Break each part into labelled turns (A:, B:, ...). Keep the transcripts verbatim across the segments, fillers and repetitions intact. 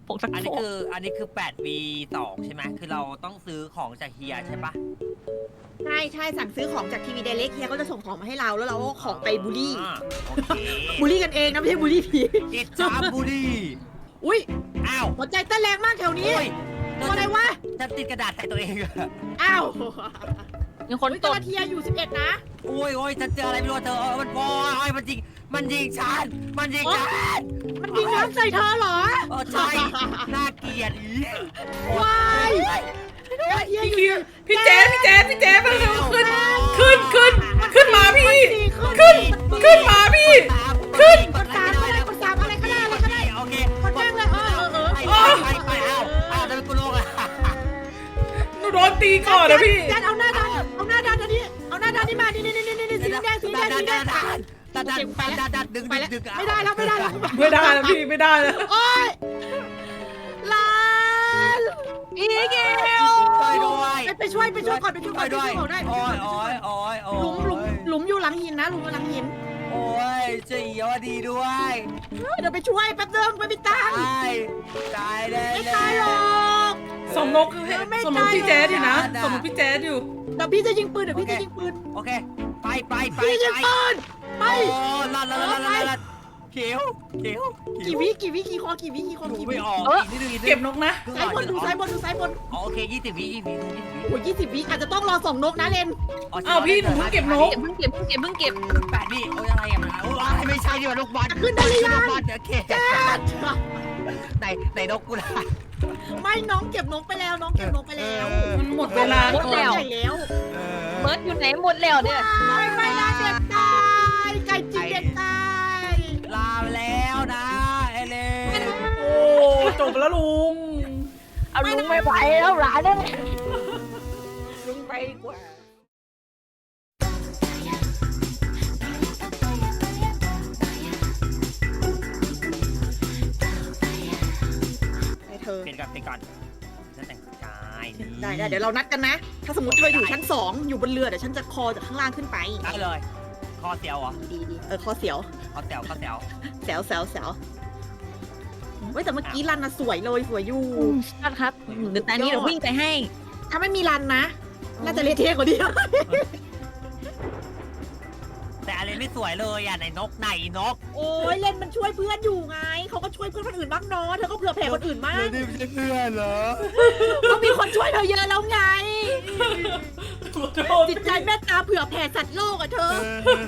A: ผงซัก
B: อัน
A: ฟ
B: นี้
A: อก
B: คืออันนี้คือแปดวีสองใช่ไหมคือเราต้องซื้อของจากเฮียใช่ปะ
C: ใช่ใช่สั่งซื้อของจากทีวีไดเรกเฮียก็จะส่งของมาให้เราแล้วเราก็ของไปบูลลี่
B: อ่าโอเค
C: บูลลี่กันเองนะไม่ใช่บูลลี่ผี
B: อิจฉาบุรี
C: อุ้ย
B: อ้าว
C: หัวใจเต้นแรงมากแถวนี้
B: โอ้ย
C: ตัวอะไรวะ
B: ฉันติดกระดาษใส่ตัวเองอะ
C: อ้าว
A: มีคน
C: อุ๊ย
A: ต
C: ต
A: ด
C: อนเทียอยู่สิบเอ็ดนะ
B: โอ้ยโอ้ยฉันเจออะไรไม่รู้เธอเออมันโอ้ยมันยิงมันยิงฉันมันยิงฉัน
C: มันยิงน้ำใส่เธอเหรอ
B: เออใช่น่าเกลียดอี
C: ว้ายเฮียอยู่
D: พี่เจ๊พี่เจ๊พี่เจ๊มาเร็วขึ้นขึ้นขึ้นขึ้นมาพี่
C: ขึ้น
D: ขึ้นมาพี่ ขึ้น
C: กดสามอะไรกดสามอะไรก็ได้อะไรก็ได้
B: โอเค
C: กดแม่งเลยเออเออ
B: ไป
C: เออ
B: ไปไปเอาเอาจะเป็นกูโลกอะ
D: หนูโดนตีก่อนนะพี่
C: แดนเอาหน้าดันเอาหน้าดันอันนี้เอาหน้าดันนี่มานี่นี่นี่นี่นี่สีแดงสีแดงสีแดง
B: ดันดันดันดันดึง
C: ไป
B: ดึง
C: แล้ว
B: ดึง
C: ไม่ได้แล้วไม่ได้แล้ว
D: ไม่ได้แล้วพี่ไม่ได้แล้ว
C: โอ๊ยลาน
A: อีเกล
B: ช่วยด้วย
C: ไปไปช่วยไปช่วยก่อนไปช่วยก่
B: ช่
C: อ
B: วน ย
C: ไป
B: ด้
C: ช่
B: ว
C: วย ยก่อนได้
B: โอ้ยโอ้ยโอ้ยโอ้
C: หลุมหลุม
B: ย
C: หลุมอยู่หลังหินนะหลุมอยู่หลังหิน
B: โอ้ยเจียวดีด้วย
C: เดี๋ยวไปช่วยแป๊บนึงไปมีตังค์
B: ตายตายเลย
C: ไม่ตายหรอก
D: สมนกสมนกพี่แจ๊ดอยู่นะสมนกพี่แจ๊ดอยู่
C: เดี๋ยวพี่จะยิงปืนเดี๋ยวพี่จะยิงปืน
B: โอเคไปไปไป
C: พี่ยิง
B: ไป
C: ปืนไป
B: โอ้ลัดลัดลัดลัดลัดเขียวเขียว
C: กี่วิกี่วิกี่คอกี่วิกี่คอ
B: ดู
C: กี่วิ
B: ไม่ออกอีกนิดนึงอีกนิดนึง
D: เก็บนกนะ
C: ซ้ายบนดูซ้ายบนดูซ้ายบน
B: โอเคยี่สิบวิยี่สิบวิยี่สิบวิ
C: โอ้ยยี่สิบวิอาจจะต้องรอส่งนกนะเลน
D: อ้าวพี่หนูเพิ่งเก็บนก
A: เก็บเพิ่งเก็บเพิ่งเก็บเพิ่งเก็บ
B: แปดวิโอ้ยอะไรอ่ะโอ้ยไม่ใช่ดิว่าลูกบอล
C: ขึ้นได้หรือยัง
B: ลูกบอลโอเค
C: แจ๊ด
B: ไหนไหนนกกูล่ะ
C: ไม่น้องเก็บนกไปแล้วน้องเก็บนกไปแล้ว
D: มันหมดเวลา
C: หมด
D: ก่อน
C: แล้วแล้ว
A: เบิร์ดอยู่ไหนหมดแล้วเนี่ย
C: ไม่ไม่นะเด็กตายไก่จิกเด็กตาย
B: ลาแล้วนะเอเลน
D: โอ้จบแล้วลุง
A: เอาลุงไม่ไหวแล้วหลานเนี่ย
C: ลุงไปกว่าให้เธอ
B: เปลี่ยนก่อนเปลี่ยนก่อนฉันแต่งกายนี่
C: ได้ได้เดี๋ยวเรานัดกันนะ ถ้าสมมติเธออยู่ชั้นสองอยู่บนเรือเดี๋ยวฉันจะคอจากข้างล่างขึ้นไป
B: ได้เลยคอเสียวเหรอ
C: ดีดีเออคอเสียว
B: คอเสียวคอเสียว
C: แซวแซวแซวเว้ยแต่เมื่อกี้รันนะสวยเลยสวยอยู่
A: ชัดครับเดี๋ยวตอนนี้เดี๋ยววิ่งไปให้
C: ถ้าไม่มีรันนะ น่าจะเละเทะกว่านี้
B: แต่อะไรไม่สวยเลยอ่ะไหนนกไหนนก
C: โอ้ยเล่นมันช่วยเพื่อนอยู่ไง เขาก็ช่วยเพื่อนคนอื่นบ้างเนาะเธอก็เผื่อแผ่คนอื่นบ้าง
B: นี่ไม่ใช่เพื่อนเหรอ
C: ก็มีคนช่วยเธอเยอะแล้วไง
D: ขอโทษ
C: จิตใจเมตตาเผื่อแผ่สัตว์โลกอะเธอ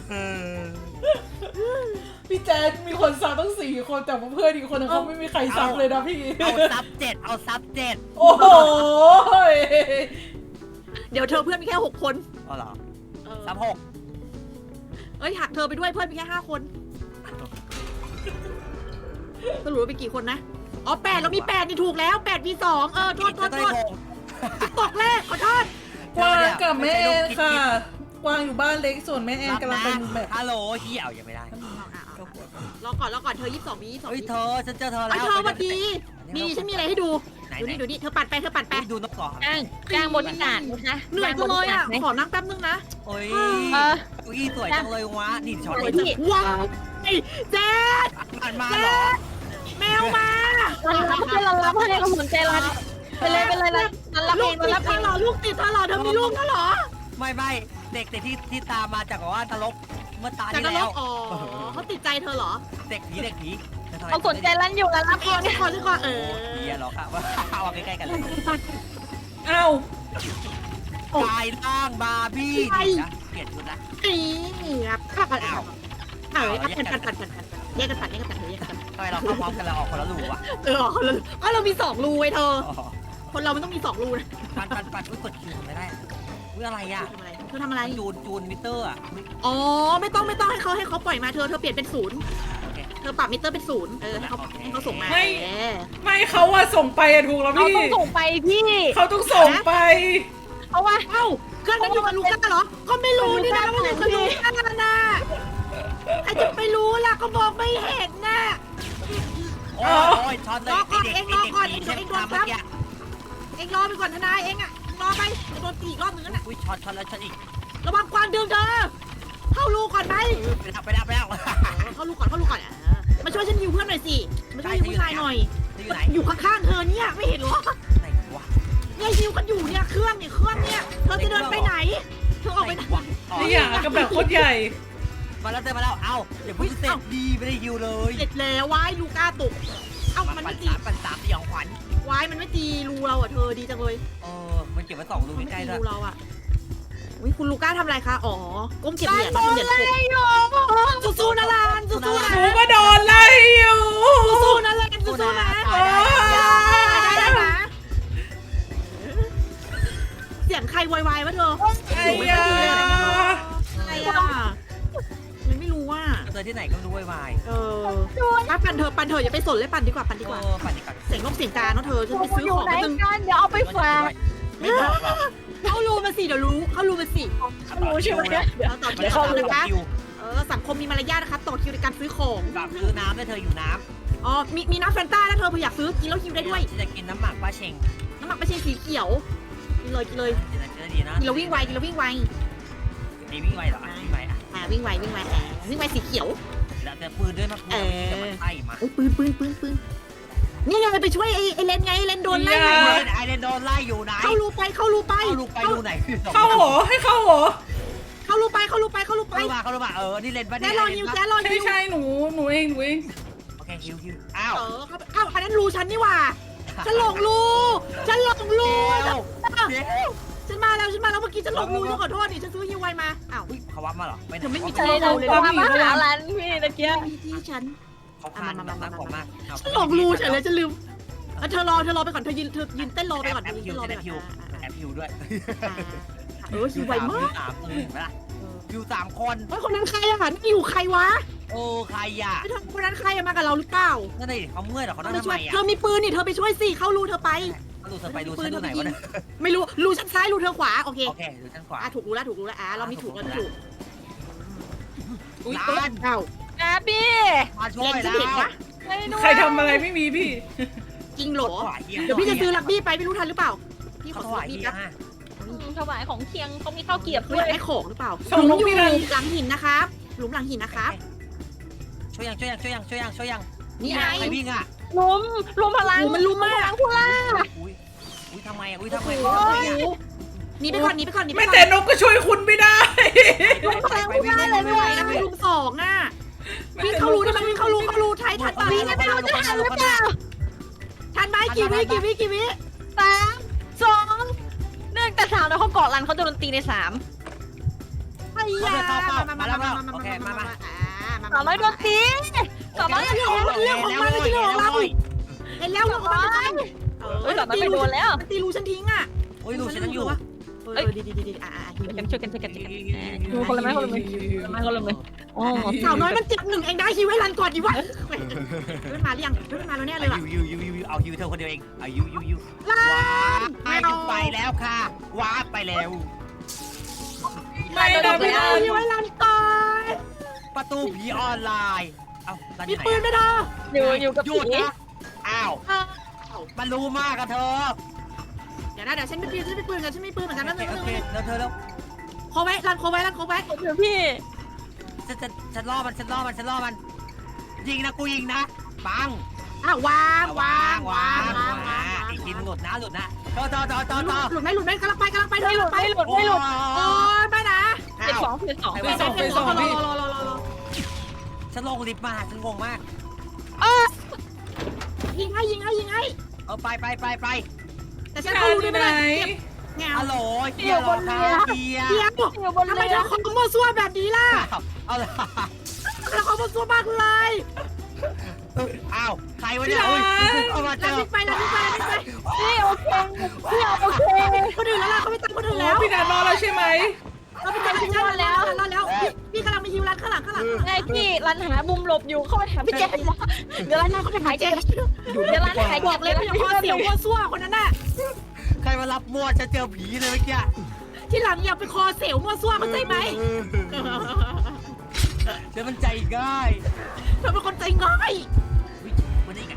D: พี่แจ๊ดมีคนซักตั้งสี่คนแต่ว่าเพื่อนอีกคนนึงเขาไม่มีใครซักเลยนะพี่
B: เอาซับเจ็ดเอาซับเจ็ด
D: โอ้โห
C: เดี๋ยวเธอเพื่อนมีแค่หกคน
B: เอาเหรอ
C: เออ
B: ซับหก
C: เอ้ยหักเธอไปด้วยเพื่อนมีแค่ห้าคนสรุปว่าไปกี่คนนะ อ๋อแปดเรามีแปดนี่ถูกแล้วแปดมีสองเออโทษโทษโทษตกแรกขอโทษ
D: กวางกับแม่แอนค่ะกวางอยู่บ้านเล็กส่วนแม่แอนกำลังเป็นแบบ
B: ฮัลโหลเฮียเอายังไม่ได้
C: รอก่อนรอก่อนเธอยี่สิบสองมียี่สิบสอง
B: เฮ้ย
C: มี
B: เธอฉันเจอเธอ
C: ไอ้
B: แล้ว
C: เธอมาดีนี่ฉันมีอะไรให้ดู
B: ไหน
C: ดู
B: ไหน
C: นี่ดูนี่เธอปัดไปเธอปัดไป
B: ดูนกก่อน
A: จ้างจ้างบริการนะคะ
C: เหนื่อยจังเลยอ่ะขอนั่งแป๊บนึงนะ
B: โอ้ย
A: เออ
B: เก้าอี้สวยจังเลยวะนี่ช็อต
A: ส
B: เล
A: วย
B: ย
A: พี่
C: ว้าวไอ้เจ๊ด
B: มันมาเหรอ
C: แมวมา
A: เรารับให้เรารับให้เราสนใจรันไปเลยไปเลยรันรับ
C: ลู
A: เอก ง
C: ติด
A: รับ
C: เธ
A: เอ
C: อง เหรอลูกติดเธอเหรอเธอมีลูกแล้วเหรอ
B: ไม่ไม่เด็กเด็กที่ที่ตามมาจากว่านรกเมื่อตา
C: จาก
B: ที่
C: นร
B: แล้
C: ก
B: ว
C: อ๋อเขาติดใจเธอเหรอ
B: เด็กผีเด็กผี
A: เราสนใจรันอยู่รันรับ
C: เอ
A: เอง ง
C: ก่อนสิก่อนเออ
B: เฮียหรอครับว่าเอาใกล้ๆกันเลย
D: อ้าว
B: กายร่างบาร์บี้นะเปลี่ยนชุดละ
C: นี่ครับข้ากันเอาเออปัดปัดปัดปัดปัดแยกกันปัดแยกกันปัดแยกกันปัด
B: ทำไมเราเข้าพร้อมกันเราออกคนละรูวะ
C: เออคนละก็เรามีสองรูไว้เธอ คนเรามันต้องมีสองรูนะ
B: ปันปันปันอุ้ยกดคิวทำไม่ได้อุ้ยอะไรอ่ะ
C: ทำอะไรเธอทำอะไร
B: จูนจูนมิเตอร์อ่ะ
C: อ๋อไม่ต้องไม่ต้องให้เขาให้เขาปล่อยมาเธอเธอเปลี่ยนเป็นศูนย์
B: โอเค
C: เธอปรับมิเตอร์เป็นศูนย์เออให้เขาให้เขาส่งมา
D: ไม่เขาอะส่งไปอะถูกแล้ว
A: เรา
D: พี่
A: ต้องส่งไปพี่
D: เขาต้องส่งไป
A: เพราะว่า
C: เอ้าเครื่องนั้นอยู่กับลูก้าเหรอ ก็ไม่รู้นี่นะว่าอยู่กับลูก้าน่ะใครจะไปรู้ล่ะก็บอกไม่เห็นน่ะ
B: โอ้ยช็อตเลยไอเด็กไอเด็กผีใช่ไหมครับเมื่อกี้
C: เอ็งรอไปก่อนทนายเอ็งอะรอไปจะโดนตีอีกรอบนึงนั่นน่ะ
B: อุ้ยช็อตช็อตแล้วช็อตอีก
C: ระวังกวางดึงเธอเข้ารูก่อนไหม
B: ไปแล้วไปแล้วไปแล้ว
C: เข้ารูก่อนเข้ารูก่อนอ่ะมาช่วยฉันยิวเพื่อนหน่อยสิมาช่วยยิวผู้ชายหน่อย
B: เธออยู่ไหน
C: อยู่ข้างๆเธอเนี่ยไม่เห็นเหรอ
B: ไหนวะ
C: เนี่ยฮิวกันอยู่เนี่ยเครื่องเนี่ยเครื่องเนี่ยเธอจะเดินไปไหนเธอออกไปไหน
B: วะอ๋อ
D: นี่อย่างกับแบบโคตรใหญ่
B: มาแล้วเจอมาแล้วเอ้าเดี๋ยวพูดเสร็จดีไม่ได้ยิวเลย
C: เสร็จแล้ววายลูก้าตกเอ้ามัน
B: ปั่
C: ไม่
B: น
C: ตี
B: สามปั่นสามสยองขวัญ
C: วายมันไม่ตีรูเราอ่ะเธอดีจังเลย
B: เออมันเก็บไว้สองรู
C: มันไม่
B: ใกล้
C: ตี
B: ๆด้วย
C: รูเราอ่ะอุ้ยคุณลูก้าทำอะไรคะอ๋อก้มเก็บเหรียญนะเหรียญตกสู้ๆนะลานสู้ๆนะ
D: หนูก็โดนไล่อยู่
C: สู้ๆนะลานสู้ๆนะ
B: ตายได้
C: ได้ได้นะเสียงใครวายวายวะเธอ
D: ไอ้ยา
C: ใครอ่ะมันไม่รู้ว่า
B: เจอที่ไหนก็ไม่รู้วาย
C: เออว่าปั่นเธอปั่นเธออย่าไปสนเลยปั่นดีกว่าปั่นดีกว่า
B: เออปั่นดีกว่า
C: เสียงนกเสียงกาเนาะเธอฉันไปซื้อ
A: อยู่
C: ของ
A: ไหน
C: มาตึง
A: กันเดี๋ยวเอาไปฝาก
B: ไม่บอกหรอก
C: เข้ารูมาสิเดี๋ยวรู้เข้ารูมาสิ
A: รู้ใช่ไหมเนี่ย
C: เราต่อ
B: มัน
C: คิว
B: ได้เข้า
C: ต่อ
B: รู
C: นะคะ
B: คิว
C: เออสังคมมีมารยาทนะคะต่อคิวในการซื้อของ
B: แบบซื้อน้ำด้วยเธออยู่น้
C: อ๋อมีมีน้ำแฟนต้านะเธอเผื่ออยากซื้อกินแล้วคิว
B: ำ
C: ได้ด้วย
B: จะกินน้ำหมักป้าเชง
C: น้ำหมักไม่ใช่สีเขียวกินเลยกินเลย
B: จะจะดีนะ
C: กินแล้ววิ่งไวกินแล้ววิ่งไว
B: มีวิ่งไวเหรอวิ่งไวอ่ะ
C: อ่าวิ่งไววิ่งไวอ่าวิ่งไวสีเขียว
B: แล้วเจอปืนด้วยมาปืนจะมาไล่มา
C: โอ้ยปืนปืนปืนปืนนี่ไงไปช่วยไอ้ไอ้เลนไงไอ้เลนโดนไล่
B: ไอ
C: ไง
B: เลนไอเลนโดนไล่อยู่ไหน
C: เข้ารูไปเข้ารูไป
B: เข้าลูกไปดูไหน
D: เข้าหอให้เข้าหอ
C: เข้ารูไปเข้ารูไปเข้ารูไป
B: เข้ามาเข้ามาเออนี่เลนปะ
C: แล้
B: เนี่
C: วย รอยิวแล้รอ
D: ใช่
C: ยิว
D: ใช่หนูหนูเองหนูเอง
B: โอเคฮิวฮิวอ้าว
C: เออครับอ้าวอันนั้นรูฉันนี่หว่าฉันหลงรูฉันหลงรู
B: เดี๋ยวเดี๋ยว
C: ฉันมาแล้วฉันมาแล้วเมื่อกี้ฉันหลงรูฉันขอโทษดิฉันซื้อฮิวไวมาอ้าว
B: อุ้ยเขาวับมาเหรอ
C: เธอไม่มี
A: ใช่เราความมาหาร้านพี่ตะเกียบ
C: มีที่ฉัน
B: เขาคานน้ำของมาก
C: ฉันหลงรูเฉยเลยฉันลืมเออเธอรอเธอรอไปก่อนเธอยืนเธอยืนเต้นรอไปก่อน
B: แอป
C: ยืน
B: ฮิ
C: เต้
B: วน
C: รอไป
B: แอป
C: ก่อน
B: ฮิวแอปฮิวด้วย
C: อ่าเออฮิวไวมาก
B: สามเออเห็นไหมล่ะฮิวสามคน
C: เฮ้ยคนนั้นใครอะนี่อยู่ใครวะ
B: โอ้ใครอ่ะ
C: ไอ้เธอคนนั้นใครอะมากับเราหรือเปล่า
B: นั่นเลยเขาเมื่อยหรอเขา
C: เธ
B: นั่
C: อง ไป
B: ทำ
C: ช่
B: ไม
C: วย
B: อ่ะ
C: เธอมีปืนนี่เธอไปช่วยสิเข้ารูเธอไป
B: ดูเธอไปดูฉันดูไหนวะเนี่ย
C: ไม่รู้รูชั้นซ้ายรูเธอขวาโอเค
B: โอเคดูฉันขวา
C: อ่ะถูกรู้แล้วถูกรู้แล้วอ่ะเรามีถูกเรามีถูก
B: อุ้ย
C: ร้านเอ้า
A: นะพี่
B: มาช่ว
C: เล่
B: ย
C: นฉั
B: แล้
C: นเห็น
B: ว
C: ปะ
A: ไม่รู้
D: ใครทำอะไรไม่มีพี่
C: จริงเหรอ
B: ขวาเฮีย
C: เดี๋ยวพี่จะซื้อลักบี้ไปไม่รู้ทันหรือเปล่าพี่ข
B: เขา
C: อ
B: ถ
C: ซื้อ
B: วา
C: ลั
B: ย
C: กบี้
B: เฮีย
C: แป๊บ
A: ถวายของเคียงเขามีข้าวเกียบ
C: เขา
A: ด้
C: อ
A: วย
C: ยากได้ของหรือเปล่า
D: ส่ง
C: หลุ
D: น
C: ม
D: ก
C: อยู่
D: พี่รัน
C: หลังหินนะครับหลุมหลังหินนะครับ
B: ช่วยยังช่วยยังช่วยยังช่วยยังช่วยยัง
C: นี่ไง
B: ใครวิ่งอ่ะ
A: ลุมลุมพลัง
C: โอ้มันลุมมาก
A: พลังผู้ล่า
B: อุ้ยอุ้ยทำไมอ่ะอุ้ยทำไม
C: โอ้ยหนีไปก่อนหนีไปก่อนหนีไป
D: ไม่
C: ก่อน
D: แต่นกก็ช่วยคุณไม่ได้
C: พลังผู้ได้เลยไม่ไหวนะไม่ลุมสองอ่ะวิ่งเข้ารูได้ไหมวิ่งเข้ารูเข้ารูไทยทันป่ะ
B: วิ่งไม่เอาจะทันหรือเปล่า
C: ทันไหมกี่วิกี่วิกี่วิ
A: สามสองหนึ่งแต่สามแล้วเขาเกาะรันเขาโดนตีในสาม
C: ไอ้ยามามามามามามามามามา
A: สามร้อยโดนตีสามร้อย
C: เรื่องของมันเรื่องของมันไม่ใช่เรื่องของเราเห็นแล้วเรื่องของมันเอ
A: เฮ้ยสามร้อย
C: ตี
A: ไป
C: รู
A: โดนแล้ว
C: มันตีรูฉันทิ้งอ่ะ
B: อุ้ยดูฉันยังอยู่
C: เออดีดีดีดีอ่าอ่า
A: ช่วยกันช่วยกันช่วยกันช่วยกันดูคนละไม้คนละไม้คนละไม้คนละไม้โอ้
C: สาวน้อยมันเจ็บหนึ่งเองได้คิวให้รันก่อนดีวะเรื่องมาหรือยังเรื่องมาแล้วแน่เลยว่ะ
B: ยูยูยูยูเอายูเธอคนเดียวเองเอายูยูยู
C: ลา
B: ว้าไปไปแล้วค่ะว้าไปแล้ว
D: ไม่นะ
C: ไม่
D: พี่
C: เอา
D: รัน
C: คิวให้รันก่อน
B: ประตูผีออนไลน์เอา
C: มีปืนไหมเธอ
A: อยู่อยู่กับ
B: หยุ
A: ผี
B: ดนะอ้าว
C: เออ
B: มันรู้มากอะเธอ
C: เดี๋ยวนะเดี๋ยวฉันไม่ปืนฉันไม่ปืนกันฉันไม่ปืนเหมือนกันนะ
B: โอ
C: นึง
B: เค
C: นึง
B: แล้วเธอแล้ว
C: โคไว้รันโคไว้รันโคไว้
A: เดี๋ยวพี่
B: ฉันฉันฉันล่อมันฉันล่อมันฉันล่อมันยิงนะกูยิงนะปัง
C: อ่ะวางวางวาว
B: าง
C: งวางวาง
B: อีกทีหลุดนะหลุดนะต่อต่อต่อต่อต่อ
C: หลุดไหมหลุดไหมกำลังไปกำลังไปเธ
A: ไม่
C: อ
A: หลุด
C: ไป
A: ไม่หลุดไม่หลุด
C: โอ้ยไปนะ
A: เจ็ดสองเจ็ดสอง
D: ไปสองไปสองพี่
C: รอรอรอรอ
B: ฉันลงลิฟต์มาฉันงงมาก
C: ยิงให้ยิงให้ยิงให้
B: เออไปไปไปไป
C: แต่ฉั
D: พี่
C: น
D: รั
C: เขา
D: น
C: รู้
D: อ
C: ได้
D: ยู่
C: ไหม
D: ไหน
C: เงา
B: ฮัลโหลเฮียรอครับเฮีย
C: เดี๋ยว
A: อยู่บน
C: ทำไม
A: เรื
C: เธ
A: อ
C: อคอมมั่วซั่วแบบนี้ล่ะ
B: เอาละ
C: เธอคอมมั่วซั่วมากเลย
B: อ้าวใครวะเนี่ยอุ้ยเอามาเจ
C: แล้ว
B: อ
C: วิ่งไปแล้ววิ่งไปแล้ววิ่งไป
A: พี่โอเคพี่โอเค
C: คนอื่นแล้วล่ะเขาไม่ตามคนอื่น
D: โอ้
C: แล้ว
D: พี่รันรอแล้วใช่ไหม
C: เราไปตามพี่ชันแล้วรอแล้วพี่กำลังมีฮิวรันข้างหลังข้างหลัง
A: ไงพี่รันหามุมหลบอยู่เข้าไปหาพี่แจ๊คเดี๋ยวรันหาเขาไปหายเจ๊เดี๋ยวรันหาย
C: บ
A: เจ็
C: อก
A: บ
C: เล
A: เลย ย
C: ว่าอย่าคอเสียวมั่วซั่วคนนั้นน่ะ
B: ใครมารับมวดจะเจอผีเลยเมื่อกี้
C: ที่หลังอย่าไปคอเสียวมั่วซั่วเข้าใจไหม
B: เดี๋ยวมันใจง่าย
C: เธอเป็นคนใจง่าย
B: วันนี้กัน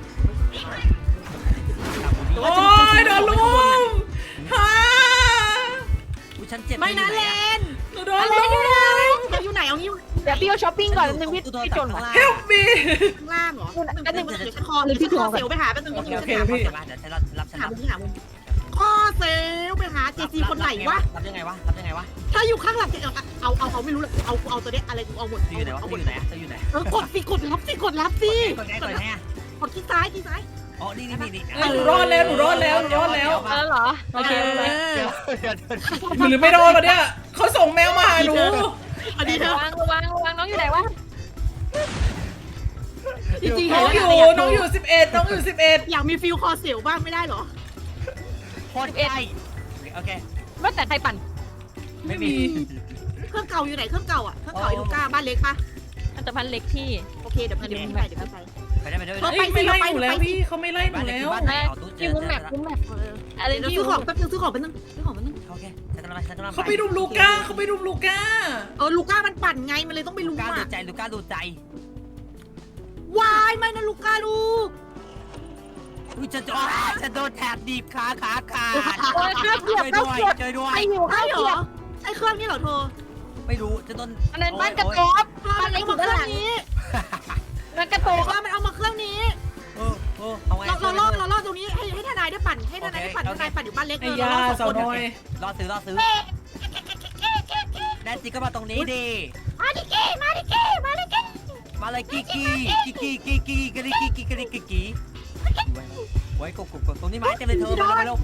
D: โอ้ยโดนลุมฮ่า
B: ฉันเจ็บ
C: ไม่นะเลน
D: หนูโดนลุม
C: เธออยู่ไหนเอางี้
A: เดี๋ยวพี่เอาช้อปปิ้งก่อนนึงพี่
B: กูโดน
A: พี่จน
B: ข้าง
A: ว่ะ
B: ล่าง
D: help me
C: ข้างล่างเหรอ
A: อันหนึ่ง
C: เดี๋ยวฉันคอเดี๋ยวฉันคอเซลไปหาแป๊บนึง
B: โอเคโอเค
D: โอเค
B: เดี๋ยวฉันรับรับฉัน
C: หา
B: รับ
C: มุมหามุมคอเซลไปหาเจซีคนไหนวะ
B: รับยังไงวะรับยังไงวะ
C: ถ้าอยู่ข้างหลังเอาเอาเอาเอาไม่รู้เลยเอาเอาตัวเนี้ยอะไรกูเอาหมด
B: เธออยู่ไหนวะ
C: เอา
B: เธ
C: หม
B: อ
C: ด
B: อยู่ไหนเธออยู่ไหน
C: เออกดสิกดรับสิกดรับสิ
B: กดไงกดไงอ่ะ
C: กดที่ซ้ายที่ซ้าย
B: อ๋อนี่นี่นี่
D: เออหนูรอดแล้วหนูรอดแล้วหนูรอดแล้ว
A: เออเหรอโอเค
C: เอ
A: เลย
B: เดี๋ยว
C: อ
B: เดี๋ยวเดี๋ยว
D: หรือไม่รอดวะเนี่ยเขาส่งแมวมาหาหนู
C: อันนี้เธอ
A: ระวังระวังระวังน้องอยู่ไหนวะ
C: จริงๆ
D: น้
C: เห็
D: อน ง
C: แล้ว
D: อยู่น้องอยู่สิบเอ็ดน้องอยู่สิบเอ็ด
C: อยากมีฟิลคอเซลบ้างไม่ได้เหรอ
B: โคตรใกล้โอเค
A: ว่าแต่ใครปั่น
B: ไม่มี
C: เครื่องเก่าอยู่ไหนเครื่องเก่าอ่ะเครื่องเก่าไอ้ลูก้าบ้านเล็กปะ
A: อันตรพันเล็กที่
C: โอเคเดี๋ยวพี่เดี๋ยวพี่ไปเดี๋ยวพี่ไป
B: ไปได้ไปได้ไป
C: เออ
B: ได้
D: เอ้ยไม่ไล่หนูแล้วพี่เขาไม่ไล่หนูแล้ว
A: อยู่มุมแมปมุมแมปอะไร
C: เดี๋ยว
A: ที่
C: ซื้อของแป๊บนึงซื้อของแป๊บนึงซื้อของแป๊บนึง
B: โอเคฉันกำลังฉันกำลัง
D: เขาไปรุมลูก้าเขาไปรุมลูก้า
C: เออลูก้ามันปั่นไงมันเลยต้องไป
B: ลู
C: ลุม
B: ก้าดู
C: อ่ะ
B: ใจลูก้าดูใจ
C: วายไม่นะลูก้าลูก
B: อุ้ยจะจะจะโดนแถบดีบขาขาขาด
A: โอ้ยข้าวเกลียบ
B: ช่วย
A: ข้าว
B: ด้วย
A: เกลียบ
B: ช่วยด้วย
A: ไอหิว
C: ใช่
A: ข้าว
C: เหร
A: เกลีย
C: อบ ใช่เครื่องนี้เหรอโทร
B: ไม่รู้จะโดน
A: อันนั้นบ้านกระโตบ
C: บ้านเล็กมาเครื่องนี้
A: บ้านกระโต
C: โอ้
A: บ
C: ว่ามันเอามาเครื่องนี้
B: เออเออเอาไง
C: เราเราล่อเราล่อตรงนี้ให้ให้ทนายได้ปั่นให้ทนายได้ปั่นทนายปั่นอยู่บ้านเล็ก
D: ไอ้
C: เออย
D: า
C: เราล่อส
D: สา
C: อ
D: ว
C: งคน
D: น้อย
B: รอซื้อรอซื้อแนนซี่ก็มาตรงนี้ดิ
C: มาดิเก้มาดิเก้มาดิเก้
B: มาเลยกีกีกีกีกีกีกรีกีกีกรีกีกีไว้กบกบกบตรงนี้ไม้เต็มเลยเธอมาเร็ว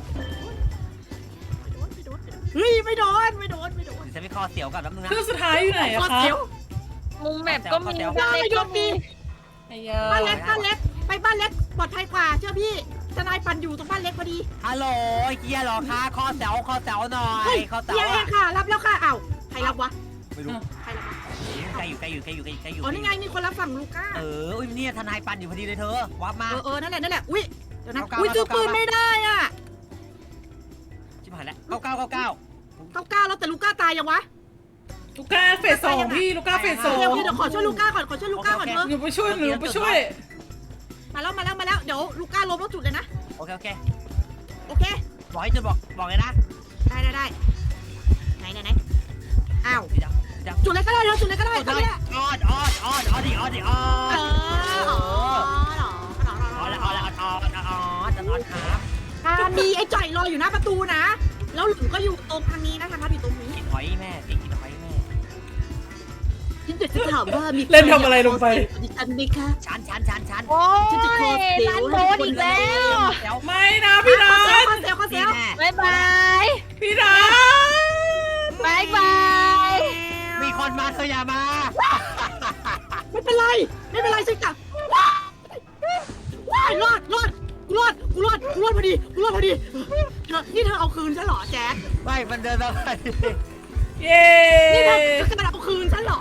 C: เฮ้ยไม่โดนไม่โดนไม่โดน
B: เดี๋ยวฉันไปคอเสียวก่อนแป๊บนึงนะ
D: เครื่องสุดท้ายอยู่ไหนอะ
C: คอ
D: คะ
C: เสียว
A: มุมแมปก็มีบ้านเล็กก็มี
D: ไอ้ยา
C: บ้านเล็กบ้านเล็กไปบ้านเล็กปลอดภัยกว่าเชื่อพี่ทนายปั่นอยู่ตรงบ้านเล็กพอดี
B: ฮัลโหลเกียร์หรอคะคอเสียวคอเสียวหน่อ
C: เฮ้
B: ย
C: ย
B: คอเสีย
C: เฮี
B: วย
C: เองค่ะรับแล้วค่ะอ้าวใครรับวะ
B: ไม่รู้
C: ใครรับวะ
B: ใกล้อยู่ใกล้อยู่ใกล้อยู่ใกล้อยู่ใกล้อยู่
C: อ๋อนี่ไงมีคนรับฝั่งลูก้า
B: เอออุ้ยเนี่ยทนายปันอยู่พอดีเลยเธอวับมา
C: เออเออนั่นแหละนั่นแหละอุ้ยเดี๋ยวนะ
B: เก้าเก้า
C: อุ้ยซื้อ
B: เก้า
C: ปืน
B: เก้า
C: ไม่ได้อ่ะ
B: ชิบหายแล้วเก้าเก้าเก้าเก้า
C: เก้าเก้าแล้วแต่ลูก้าตายยังวะ
D: ลูก้าเฟสสองพี่ลูก้าเฟสสอ
C: เดี๋ยว
D: ง
C: เดี๋ยวขอช่วยลูก้าก่อนขอช่วยลูก้าก่อนเถอะ
D: หนูไปช่วยหนูไปช่วย
C: มาแล้วมาแล้วมาแล้วเดี๋ยวลูก้าล้มแล้วจุดเลยนะ
B: โอเคโอเค
C: โอเค
B: บอกให้จุดบอกบอกเลยนะ
C: ได้ได้ได้ไหนไหนไหนอ้าว
B: พี่ดาวพี่ดาว
C: จุดเลยก็ได้เถอะจุดเลยก็ได้
B: อ
C: ก็
B: อ
C: ได้
B: ดออดออดออดออดดิออดดิออ
C: เอ
B: ด
C: ออ๋อเหรอเหรอเหรอ
B: เอาละเอาละเอาละเอาละจะนอนครับ
C: ถ้ามีไอ้จ่อยรออยู่หน้าประตูนะ แล้วหลุมก็อยู่ตรงทางนี้นะทางทับอยู่ตรงนี้
B: กินหอยแม่สิกินหอยแม่
C: ฉันจะถามว่ามี
D: เล่นทำอะไรลงไป
C: ดิฉันไหมคะ
B: ชันชันชันชัน
A: โอ้
C: ฉันจะขอย เสียว
A: ร้าน
C: ให้
A: โด
C: ทุกคน
A: นอีกแล้ว
B: แล้ว
D: ไม่นะพี่นั
C: เซล
D: ท
C: เซลเซ
B: นี่
C: ล
B: แน่
A: บายบาย
D: พี่นัท
A: บายบาย
B: มีคนมาเธออย่ามา
C: ไม่เป็นไรไม่เป็นไรฉันกลับว้ายว้ายรอดรอดกูรอดกูรอดกูรอดพอดีกูรอดพอดีเธอนี่เธอเอาคืนฉันเหรอแจ๊ค
B: ไม่มันเดินมา
D: เย้
C: นี่เธอจะมาเอาคืนฉันเหรอ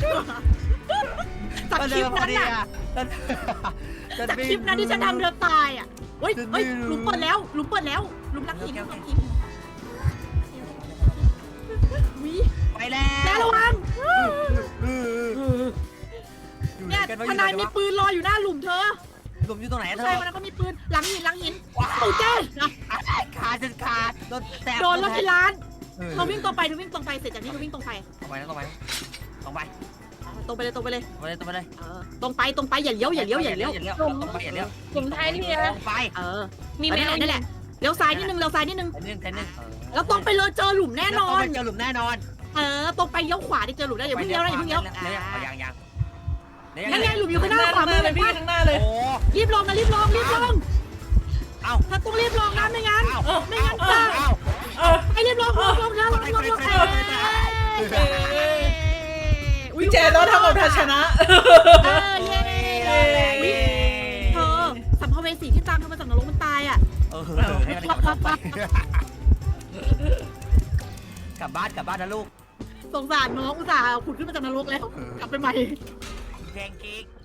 C: จาก
B: มัน
C: ค
B: เดิ
C: ลิ
B: น
C: ป
B: มาพอ
C: นั้น
B: ดี
C: น่ะ
B: อ่ะ
C: จากคลิปนั้นที่ฉันทำเธอตายอ่ะเฮ้ยเฮ้ยหลุมเปิดแล้วหลุมเปิดแล้วหลุมนักหินหลุมนักหินวิ
B: ไปแล้ว
C: แล้วระวังเนี่ยทนายมีปืนรออยู่หน้าหลุมเธอ
B: หลุมอยู่ตรงไหน
C: ผู้
B: เธ
C: ชาย
B: อ
C: คนนั้นก็มีปืนหลังหินหลังหิน
B: ว้าว
C: โอ้เจ๊
B: ขาดจนขาดโดนแตะ
C: โดนรถที่ร้านเธอวิ่งตรงไปเธอวิ่งตรงไปเสร็จจากนี้เธอวิ่งตรงไป
B: ตรงไปตรงไปตรงไป
C: ตรงไปเลยตรงไปเลย
B: ตรงไปเลยตรงไปเลย
C: เออตรงไปตรงไปอย่าเลี้ยวอย่าเลี้ยวอย่าเลี้ยว
B: อย่าเลี้ยวตรงไปอย่าเลี้ยว
A: กลุ่มไทยนี่มีอะไร
B: ตรงไป
C: เออ
A: มี
C: มี
A: แม
C: แม่
A: ว
C: นั่นแหละเลี้ยวซ้ายนิดนึงเลี้ยวซ้ายนิดนึง
B: แทนนึงแทนนึง
C: แล้วตรงไปเลยเจอหลุมแน่นอน
B: เจอหลุมแน่นอน
C: เออตรงไปเลี้ยวขวาได้เจอหลุมได้อย่าเพิ่งเลี้ยวนะอย่าเพิ่งเลี้ยว
B: ยังยัง
C: นั่นไงหลุมอยู่ข้างหน้าขวามือ
D: เลย
C: เลย
D: พี่
C: พี่
D: ข้างหน้าเลย
B: โอ้
C: รีบลงนะรีบลงรีบลง
B: เอ้า
C: ถ้าต้องรีบลงนะไม่งั้น
B: เอ้า
C: ไม่งั้น
B: เอ้า
C: จะ
B: เอ้า
D: เออ
C: ไอ้รีบลงลงลงแล้วลงลงลงเอ
D: พี่แจนเราทำกับทาชนะ
C: เออเย้ เธอสัมภเวสีที่ตามเธอมาจากนรกมันตายอ่ะ
B: เออให้มันกลับบ้านกลับบ้านกลับบ้านนะลูก
C: สงสารน้องอุตส่าห์ขุดขึ้นมาจากนรกแล้ว กลับไปใหม่
B: แกงกิ๊ก